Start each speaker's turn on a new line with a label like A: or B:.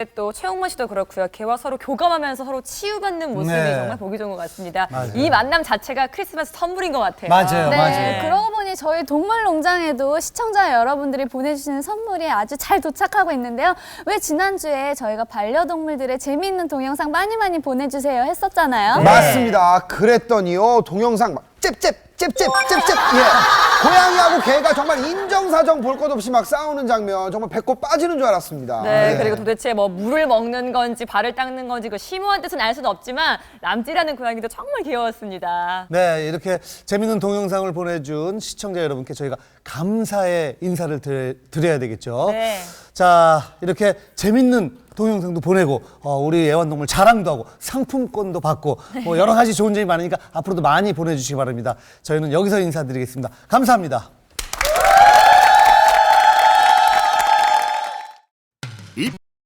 A: 또 최홍만 씨도 그렇고요. 개와 서로 교감하면서 서로 치유받는 모습이
B: 네.
A: 정말 보기 좋은 것 같습니다.
B: 맞아요.
A: 이 만남 자체가 크리스마스 선물인 것 같아요.
B: 맞아요,
C: 네,
B: 맞아요.
C: 그러고 보니 저희 동물농장에도 시청자 여러분들이 보내주시는 선물이 아주 잘 도착하고 있는데요. 왜 지난주에 저희가 반려동물들의 재미있는 동영상 많이 보내주세요 했었잖아요.
A: 네.
D: 맞습니다. 그랬더니요, 동영상 막 잽잽 예. 고양이하고 개가 정말 인정사정 볼 것 없이 막 싸우는 장면, 정말 배꼽 빠지는 줄 알았습니다.
A: 네, 그리고 도대체 뭐 물을 먹는 건지 발을 닦는 건지 그 심오한 뜻은 알 수는 없지만 남찌라는 고양이도 정말 귀여웠습니다.
B: 네, 이렇게 재밌는 동영상을 보내준 시청자 여러분께 저희가 감사의 인사를 드려야 되겠죠.
A: 네.
B: 자, 이렇게 재밌는 동영상도 보내고 우리 애완동물 자랑도 하고 상품권도 받고 뭐 여러 가지 좋은 점이 많으니까 앞으로도 많이 보내주시기 바랍니다. 저희는 여기서 인사드리겠습니다. 감사합니다.